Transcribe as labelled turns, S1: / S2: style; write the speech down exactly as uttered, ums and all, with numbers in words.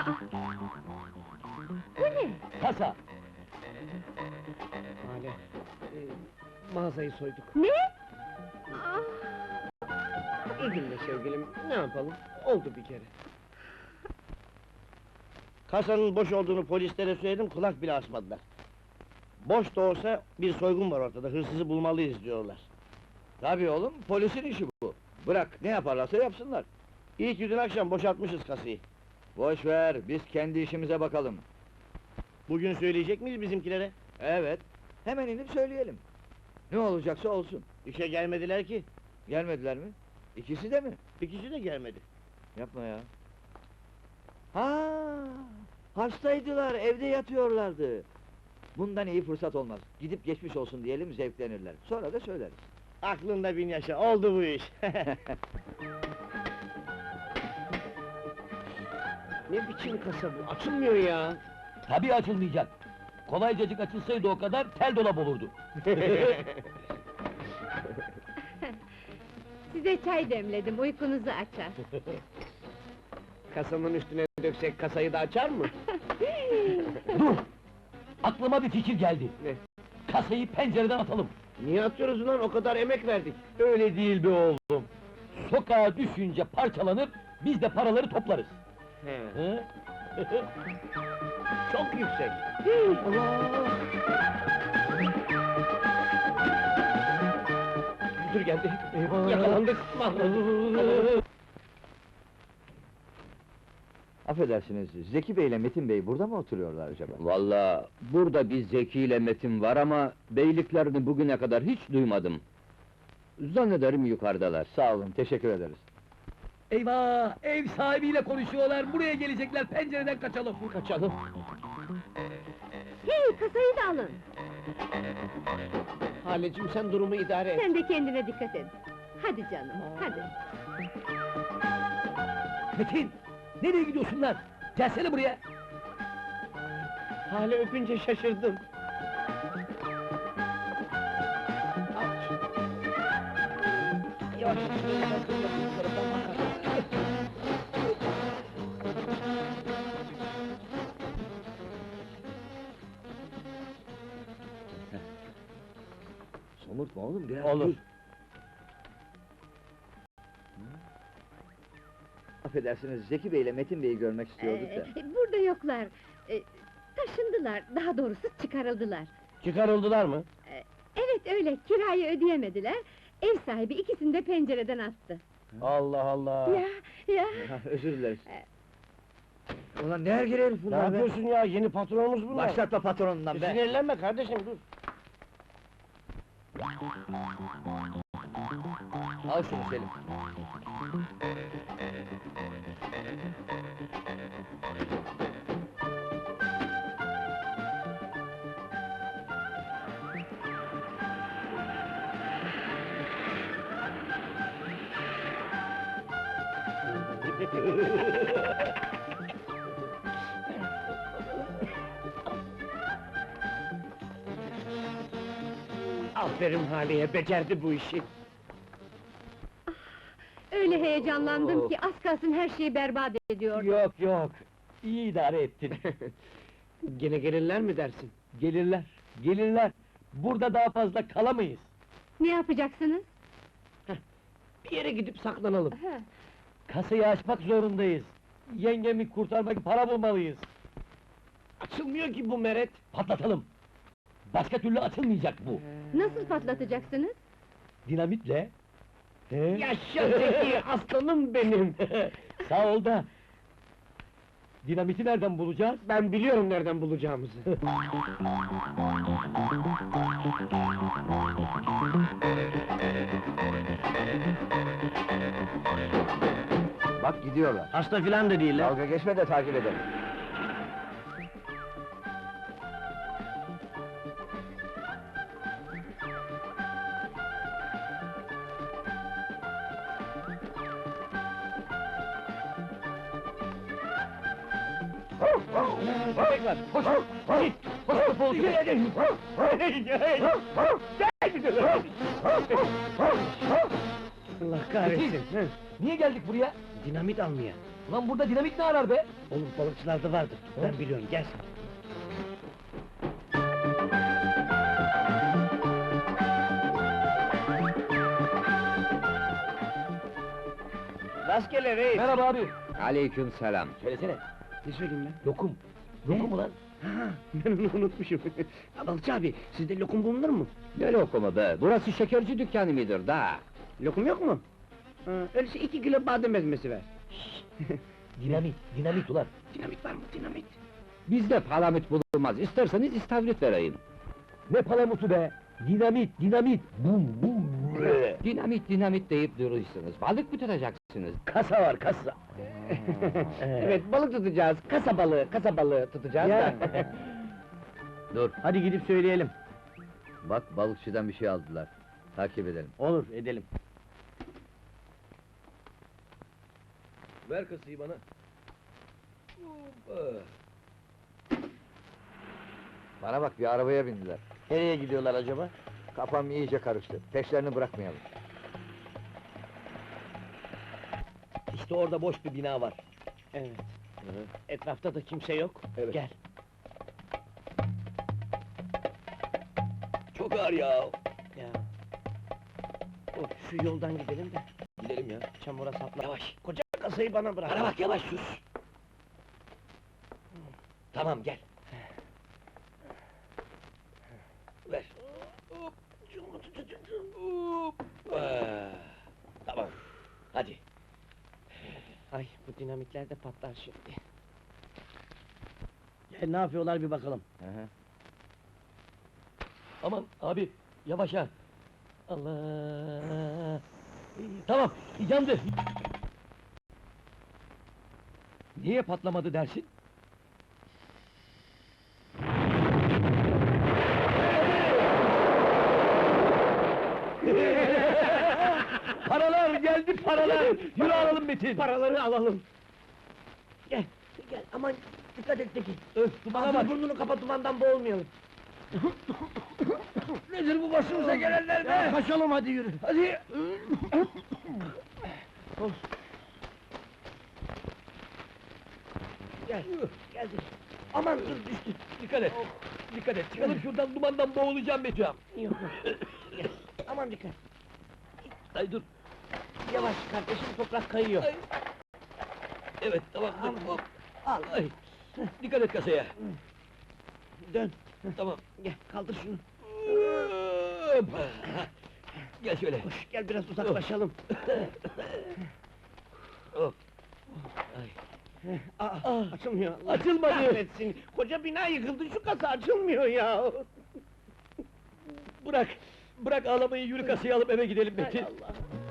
S1: Bu ne?
S2: Kasa!
S3: Hale, e, mağazayı soyduk.
S1: Ne? Ah,
S3: Üzülme sevgilim, ne yapalım? Oldu bir kere.
S2: Kasanın boş olduğunu polislere söyledim, kulak bile asmadılar. Boş da olsa bir soygun var ortada, hırsızı bulmalıyız diyorlar.
S4: Tabii oğlum, polisin işi bu. Bırak, ne yaparlarsa yapsınlar.
S2: İyi ki dün akşam boşaltmışız kasayı.
S4: Boş ver, biz kendi işimize bakalım.
S2: Bugün söyleyecek miyiz bizimkilere?
S4: Evet, hemen inip söyleyelim. Ne olacaksa olsun.
S2: İşe gelmediler ki,
S4: Gelmediler mi? İkisi de mi?
S2: ikisi de gelmedi.
S4: Yapma ya. Ha, hastaydılar, evde yatıyorlardı. Bundan iyi fırsat olmaz. Gidip geçmiş olsun diyelim, zevklenirler. Sonra da söyleriz.
S2: Aklında bin yaşa, oldu bu iş.
S3: Ne biçim kasa bu? Açılmıyor ya!
S2: Tabii açılmayacak. Kolaycacık açılsaydı o kadar, tel dolap olurdu.
S1: size çay demledim, uykunuzu açar.
S3: Kasanın üstüne döksek kasayı da açar mı?
S2: Dur! Aklıma bir fikir geldi.
S3: Ne?
S2: Kasayı pencereden atalım.
S3: Niye atıyoruz ulan? O kadar emek verdik.
S2: Öyle değil be oğlum. Sokağa düşünce parçalanır, biz de paraları toplarız.
S3: He.
S2: Hı?
S3: Çok yüksek.
S2: Allah!
S3: Müdür geldi.
S2: Eyvah!
S3: Yakalandık. Mahvolduk.
S4: Affedersiniz, Zeki Bey ile Metin Bey burada mı oturuyorlar acaba?
S5: Vallahi burada bir Zeki ile Metin var ama beyliklerini bugüne kadar hiç duymadım. Zannederim yukarıdalar.
S4: Sağ olun, teşekkür ederiz.
S2: Eyvah! Ev sahibiyle konuşuyorlar, buraya gelecekler, pencereden kaçalım!
S3: Kaçalım.
S1: Hey, kasayı da alın!
S3: Halecim sen durumu idare et.
S1: Sen de kendine dikkat et. Hadi canım, hadi.
S2: Metin! Nereye gidiyorsun lan? Gelsene buraya!
S3: Hale öpünce şaşırdım. Yavaş.
S4: Somurtma oğlum, biraz
S2: Olur.
S4: dur. Affedersiniz, Zeki Bey ile Metin Bey'i görmek istiyorduk da.
S1: Ee, burada yoklar. Ee, taşındılar, daha doğrusu çıkarıldılar.
S2: Çıkarıldılar mı?
S1: Evet öyle, kirayı ödeyemediler. Ev sahibi ikisini de pencereden attı.
S2: Allah Allah!
S1: Ya, ya!
S4: Ha, özür dileriz. Ulan ne ergele herif
S2: Ne
S4: bunlar be?
S2: yapıyorsun ya? Yeni patronumuz bunlar!
S4: Başlatma patronundan
S2: E,
S4: be!
S2: Sinirlenme kardeşim, dur!
S4: Al şunu Selim.
S3: Aferin Hale'ye, becerdi bu işi.
S1: Öyle heyecanlandım ki az kalsın her şeyi berbat ediyordum.
S2: Yok yok! İyi idare ettin!
S3: Gene gelirler mi dersin?
S2: Gelirler, gelirler! Burada daha fazla kalamayız!
S1: Ne yapacaksınız?
S3: Bir yere gidip saklanalım.
S1: Ha,
S2: Kasayı açmak zorundayız! Yengemi kurtarmak için para bulmalıyız!
S3: Açılmıyor ki bu meret.
S2: Patlatalım! Başka türlü açılmayacak bu!
S1: nasıl patlatacaksınız?
S2: Dinamitle! He?
S3: Yaşa Zeki, aslanım benim!
S2: Sağ ol da! Dinamiti nereden bulacağız?
S3: Ben biliyorum nereden bulacağımızı.
S4: Bak gidiyorlar.
S2: Hasta filan da değiller!
S4: Dalga geçme de takip edelim.
S2: Köpek var! Koş! Git! Koş kapalı köpek!
S3: Allah kahretsin! Hı,
S2: Niye geldik buraya?
S3: Dinamit almaya.
S5: Ulan burada dinamit ne arar be?
S2: Olur, balıkçılarda vardır. Ben biliyorum, gel sen. Rastgele reis.
S5: Merhaba abi. Aleyküm selam.
S2: Söylesene. Ne söyleyeyim ben?
S5: Lokum.
S2: Lokum mu lan? Ha, ben onu unutmuşum. Ya Balıkçı abi, sizde lokum bulunur mu?
S5: Ne lokumu be? Burası şekerci dükkanı mıdır da?
S2: Lokum yok mu? Ha, öyleyse iki kilo badem ezmesi ver.
S5: Dinamit, dinamit ulan.
S2: Dinamit var mı, dinamit?
S5: Bizde palamut bulunmaz. İsterseniz istavrit vereyim.
S3: Ne palamutu be? Dinamit, dinamit! Bum bum!
S5: Dinamit, dinamit deyip duruyorsunuz. Balık mı tutacaksınız?
S2: Kasa var, kasa.
S3: Evet, balık tutacağız. Kasa balığı, kasa balığı tutacağız
S2: Ya.
S3: da.
S5: Dur,
S2: Hadi gidip söyleyelim.
S5: bak balıkçıdan bir şey aldılar. Takip edelim.
S2: Olur, edelim.
S5: Ver kasayı bana.
S4: Bana bak, bir arabaya bindiler.
S2: Nereye gidiyorlar acaba?
S4: Kafam iyice karıştı. Peşlerini bırakmayalım.
S2: İşte orada boş bir bina var. Evet. Etrafta da kimse yok.
S4: Evet.
S2: Gel.
S5: Çok ağır ya.
S2: Ya. Of, şu yoldan gidelim de.
S5: Gidelim ya.
S2: Çamura sapla. Yavaş. Koca kasayı bana bırak.
S5: Bana bak yavaş sus. Tamam gel. Ver. Hop. Hop. Ah, tamam. Hadi.
S2: Ay, bu dinamitler de patlar şimdi. Gel, ne yapıyorlar bir bakalım.
S5: Aman abi yavaş ha. Allah. Tamam yandı. Niye patlamadı dersin? Paralar geldi paralar. Yürü alalım Metin.
S2: Paraları alalım. Gel, gel, aman dikkat et Tekin.
S5: Öf dumana
S2: Ağzını
S5: bak.
S2: burnunu kapa, dumandan boğulmayalım.
S5: Nedir bu başımıza gelenler
S2: Ya,
S5: be?
S2: kaçalım hadi yürü.
S5: Hadi.
S2: Of. Gel, geldi. Aman dur, düştü.
S5: Dikkat et. Dikkat et. Çıkalım şuradan dumandan boğulacağım Metin.
S2: Yok, yok. Gel, aman dikkat.
S5: Ay dur.
S2: Yavaş kardeşim, toprak kayıyor.
S5: Ay. Evet tamam dur.
S2: Al.
S5: Hop.
S2: Al,
S5: Ay. Dikkat et kasaya.
S2: dön.
S5: Tamam.
S2: Gel, kaldır şunu.
S5: Hop. Gel şöyle.
S2: Koş, gel biraz uzaklaşalım.
S5: Hop. Ay.
S2: Aa, açılmıyor. Allah
S5: Açılmadı.
S2: kahretsin. Koca bina yıkıldı, şu kasa açılmıyor ya.
S5: Bırak. Bırak ağlamayı yürü kasayı alıp eve gidelim
S2: Hay
S5: Metin.
S2: Allah.